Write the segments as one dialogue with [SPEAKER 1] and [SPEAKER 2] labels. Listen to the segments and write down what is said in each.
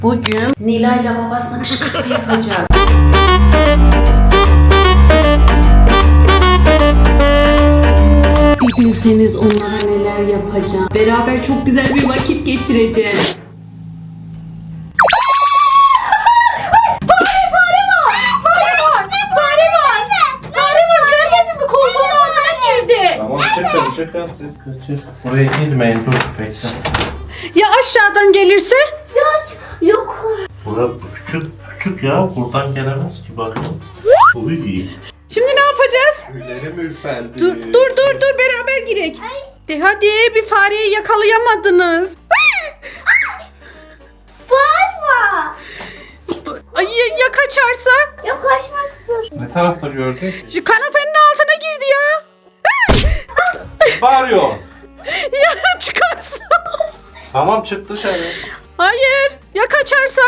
[SPEAKER 1] Bugün Nilay'la babasına kışkırtma yapacağız. Bir bilseniz onlara neler yapacağım. Beraber çok güzel bir vakit geçireceğiz.
[SPEAKER 2] Tamam çıkın siz kaçın. Buraya girmeyin dur bekle.
[SPEAKER 1] Ya aşağıdan gelirse?
[SPEAKER 3] Yok.
[SPEAKER 2] Burası küçük ya buradan gelemez ki bakın. Uy.
[SPEAKER 1] Şimdi ne yapacağız?
[SPEAKER 2] Tüylerim ürperdi.
[SPEAKER 1] Dur beraber girek. De hadi bir fareyi yakalayamadınız.
[SPEAKER 3] Bağırma.
[SPEAKER 1] Ay ya kaçarsa?
[SPEAKER 3] Yaklaşmaz dur.
[SPEAKER 2] Ne tarafta gördün?
[SPEAKER 1] Şu kanapenin altına girdi ya.
[SPEAKER 2] Bağırıyor.
[SPEAKER 1] Ya çıkarsa?
[SPEAKER 2] Tamam çık dışarı.
[SPEAKER 1] Hayır ya kaçarsa?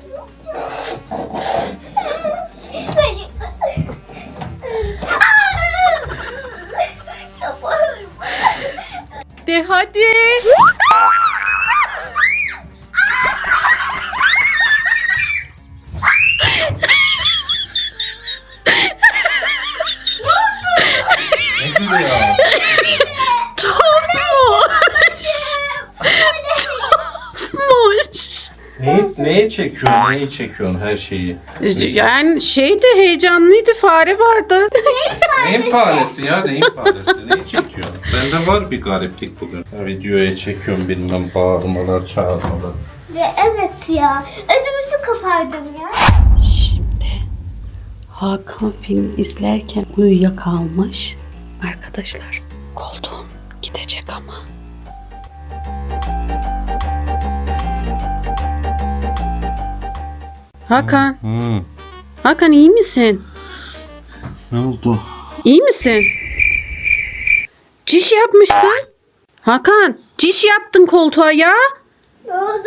[SPEAKER 1] De hadi.
[SPEAKER 2] Ne gülüyor?
[SPEAKER 1] Topmuş.
[SPEAKER 2] Neyi çekiyorsun? Neyi çekiyorsun her şeyi?
[SPEAKER 1] Yani şeydi heyecanlıydı, fare vardı.
[SPEAKER 2] Neyin faresi ya? Neyin faresi? Neyi çekiyorsun? Sende var bir gariplik bugün. Ya, videoya çekiyorum bilmem bağırmalar, çağırmalar.
[SPEAKER 3] Evet ya. Ödümüzü kopardım ya.
[SPEAKER 1] Şimdi Hakan film izlerken uyuyakalmış. Arkadaşlar koltuğum gidecek ama. Hakan, Hakan iyi misin?
[SPEAKER 2] Ne oldu?
[SPEAKER 1] İyi misin? Ciş yapmışsın. Hakan, ciş yaptın koltuğa ya.
[SPEAKER 3] Ne oldu?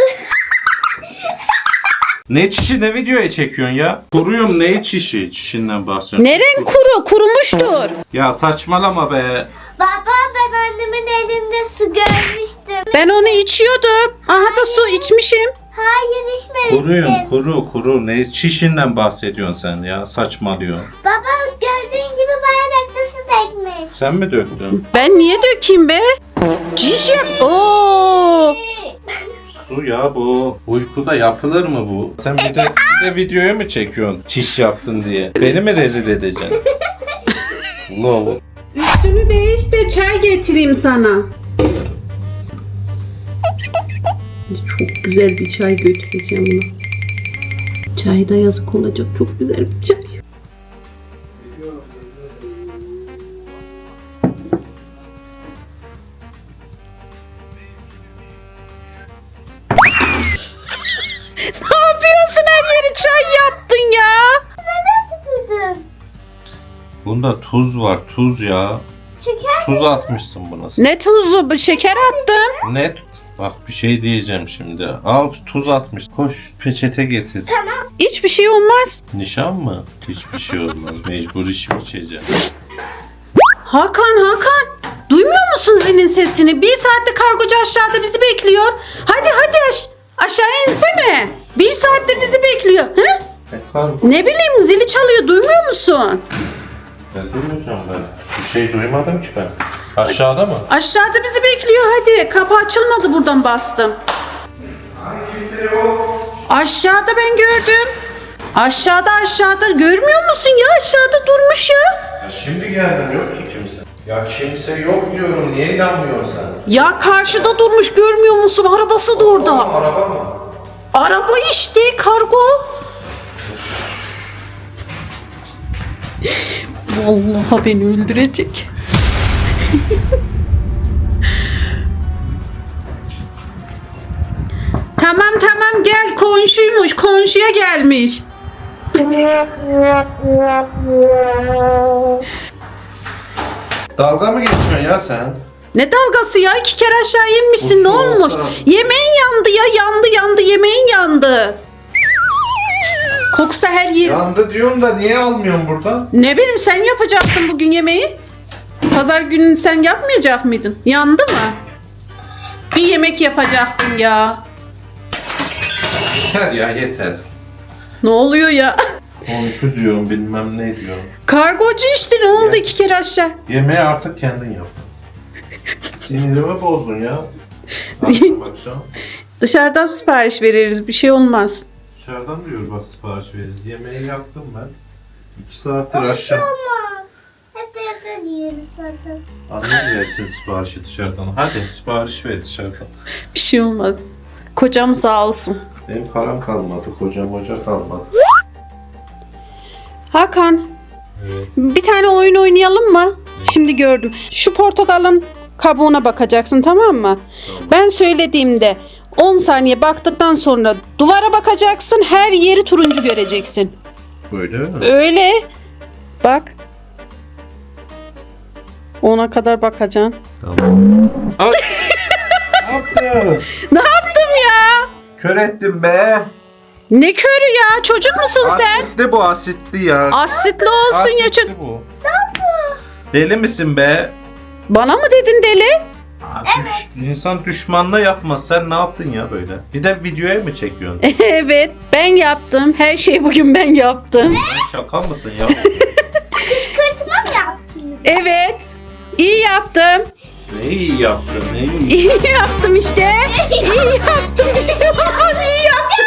[SPEAKER 2] Ne çişi ne videoya çekiyorsun ya? Kuruyorum neyi çişi? Çişinden bahsediyorum.
[SPEAKER 1] Neren kuru? Kurumuştur.
[SPEAKER 2] Ya saçmalama be.
[SPEAKER 3] Baba ben annemin elinde su görmüştüm.
[SPEAKER 1] Ben onu içiyordum. Aha da su içmişim.
[SPEAKER 3] Hayır içmemiştim.
[SPEAKER 2] Kuru. Ne çişinden bahsediyorsun sen ya? Saçmalıyorsun.
[SPEAKER 3] Baba gördüğün gibi bardakta su dökmüş.
[SPEAKER 2] Sen mi döktün?
[SPEAKER 1] Ben niye dökeyim be? Ciş yap. Oo.
[SPEAKER 2] Su ya bu. Uykuda yapılır mı bu? Sen bir de videoya mı çekiyorsun? Çiş yaptın diye. Beni mi rezil edeceksin? Lol.
[SPEAKER 1] Üstünü değiş de çay getireyim sana. Çok güzel bir çay götüreceğim ona. Çay da yazık olacak. Çok güzel bir çay. Ne yapıyorsun? Her yeri çay yaptın ya.
[SPEAKER 3] Neden tükürdün?
[SPEAKER 2] Bunda tuz var. Tuz ya.
[SPEAKER 3] Şeker
[SPEAKER 2] Tuz atmışsın buna sen.
[SPEAKER 1] Ne tuzu? Şeker attım.
[SPEAKER 2] Ne? Bak bir şey diyeceğim şimdi. Al tuz atmış. Koş peçete getir.
[SPEAKER 1] Hiçbir şey olmaz.
[SPEAKER 2] Nişan mı? Hiçbir şey olmaz. Mecbur içeceğim.
[SPEAKER 1] Hakan. Duymuyor musun zilin sesini? 1 saatte kargocu aşağıda bizi bekliyor. Hadi aşağıya insene. 1 saattir bizi bekliyor. He? Ne bileyim zili çalıyor. Duymuyor musun?
[SPEAKER 2] Ben duymayacağım ben. Bir şey duymadım ki ben. Aşağıda mı?
[SPEAKER 1] Aşağıda bizi bekliyor. Hadi kapı açılmadı buradan bastım.
[SPEAKER 2] Kimse yok.
[SPEAKER 1] Aşağıda ben gördüm. Aşağıda görmüyor musun ya? Aşağıda durmuş ya.
[SPEAKER 2] Ya şimdi geldim yok ki kimse. Ya kimse yok diyorum. Niye inanmıyorsun sen?
[SPEAKER 1] Ya karşıda durmuş görmüyor musun? Arabası da orada.
[SPEAKER 2] Araba mı?
[SPEAKER 1] Araba işte kargo. Vallahi beni öldürecek. Tamam gel komşuymuş. Komşuya gelmiş.
[SPEAKER 2] Dalga mı geçiyorsun ya sen?
[SPEAKER 1] Ne dalgası ya? 2 kere aşağı inmişsin.
[SPEAKER 2] Bu
[SPEAKER 1] Ne olmuş?
[SPEAKER 2] soğukta.
[SPEAKER 1] Yemeğin yandı ya. Yandı. Yemeğin yandı. Koksa her yer.
[SPEAKER 2] Yandı diyorum da niye almıyorsun buradan?
[SPEAKER 1] Ne bileyim sen yapacaktın bugün yemeği. Pazar günü sen yapmayacak mıydın? Yandı mı? Bir yemek yapacaktın ya.
[SPEAKER 2] Yeter ya yeter.
[SPEAKER 1] Ne oluyor ya?
[SPEAKER 2] Komşu diyorum bilmem ne diyorum.
[SPEAKER 1] Kargocu işte ne oldu
[SPEAKER 2] Ya.
[SPEAKER 1] 2 kere aşağı?
[SPEAKER 2] Yemeği artık kendin yap. Sinirimi bozdun ya. Akşam akşam.
[SPEAKER 1] Dışarıdan sipariş veririz bir şey olmaz.
[SPEAKER 2] Dışarıdan diyor bak sipariş veririz. Yemeği yaptım ben. 2 saattir aşağı.
[SPEAKER 3] Olmaz. Hep de evden yiyoruz zaten.
[SPEAKER 2] Annem versin siparişi dışarıdan. Hadi sipariş ver dışarıdan.
[SPEAKER 1] Bir şey olmaz. Kocam sağ olsun.
[SPEAKER 2] Benim param kalmadı. Kocam hoca kalmadı.
[SPEAKER 1] Hakan
[SPEAKER 2] Evet.
[SPEAKER 1] bir tane oyun oynayalım mı? Şimdi gördüm. Şu portakalın kabuğuna bakacaksın tamam mı?
[SPEAKER 2] Tamam.
[SPEAKER 1] Ben söylediğimde 10 saniye baktıktan sonra duvara bakacaksın. Her yeri turuncu göreceksin.
[SPEAKER 2] Böyle mi?
[SPEAKER 1] Öyle. Bak. 10'a kadar bakacaksın.
[SPEAKER 2] Tamam. Ay! Ne yaptın?
[SPEAKER 1] Ne yaptım ya?
[SPEAKER 2] Kör ettim be.
[SPEAKER 1] Ne körü ya? Çocuk musun sen?
[SPEAKER 2] Asitli bu asitli ya.
[SPEAKER 1] Asitli olsun ya çocuk.
[SPEAKER 2] Asitli bu. Deli misin be?
[SPEAKER 1] Bana mı dedin deli?
[SPEAKER 2] İnsan düşmanla yapmaz. Sen ne yaptın ya böyle? Bir de videoya mı çekiyorsun?
[SPEAKER 1] Evet ben yaptım. Her şeyi bugün ben yaptım.
[SPEAKER 2] Sen şaka mısın ya?
[SPEAKER 3] Kışkırtma mı yaptın?
[SPEAKER 1] Evet. İyi yaptım.
[SPEAKER 2] Ne iyi yaptın? Ne iyi.
[SPEAKER 1] İyi yaptım işte. İyi yaptım. Bir şey olmaz. İyi